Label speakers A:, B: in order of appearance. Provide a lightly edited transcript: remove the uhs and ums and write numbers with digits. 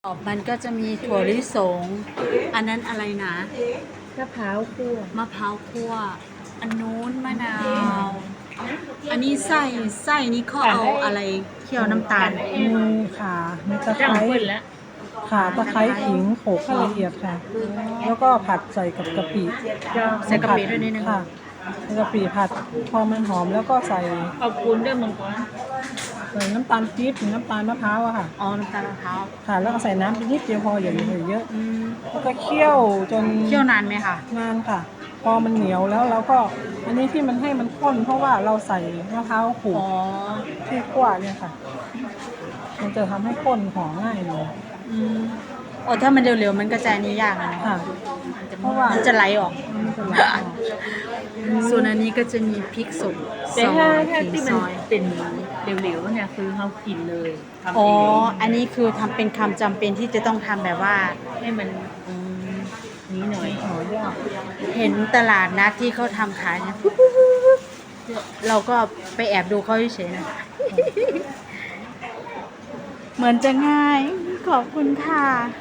A: มันก็จะมีถั่วลิสง อันนั้นอะไรนะ
B: มะพร้าวคั่ว
A: มะพร้าวคั่ว อันนู้นมะนาว อันนี้ไส้นี่เขาเอาอะไรเคี่ยวน้ำตาล
C: มีข่ามีตะไค
B: จ้าง
C: ร้
B: เพิ่นแล้ว
C: ข่าตะไคร้ขิงโขลกให้ละเอียดค่ะ แล้วก็ผัดใส่กับกะปิ
A: ใส่กะปิด้วยนิดนึง
C: ค่ะใส่กะปิผัดพอมันหอมแล้วก็ใส่
B: ขอบคุณด้วยมังกร
C: น้ำตาลปี๊บหรือน้ำตาลมะพร้าวอะค่ะ
A: อ๋อ น้ำตาลมะพร้าว
C: ค่ะแล้วก็ใส่น้ำไปนิดเดียวพออย่าใส่เยอะ
A: อืม
C: แล้วก็เคี่ยวจน
A: เคี่ยวนานไหมคะ
C: นานค่ะ พอมันเหนียวแล้วเราก็อันนี้ที่มันให้มันข้นเพราะว่าเราใส่มะพร้าวขูด
A: อ๋อ
C: ที่คั่วเนี่ยค่ะ มันจะทำให้ข้นหอมง่ายเลย
A: อืมโอ้ถ้ามันเร็วๆมันก็จะอันนี้ยากนะ
C: ค่ะ เพราะว่า
A: มันจะไหลออก
C: มันจะไหลออก
A: ส่วนอันนี้ก็จะมีพริกสด
B: แต่ถ้า
A: ซอย
B: ที่
A: ซ
B: มัน
A: อย
B: เป็นเหลวๆเนี่ยคือเขากินเลยทำ
A: อ๋อ
B: เอง
A: อันนี้คือทำเป็นคำจำเป็นที่จะต้องทำแบบว่า
B: ให้มัน
A: อืม
B: นี้หน่อย
C: หอยาก
A: เห็นตลาดนัดที่เขาทำขายเนี่ยเราก็ไปแอบดูเขาเฉยๆนะ เหมือนจะง่าย ขอบคุณค่ะ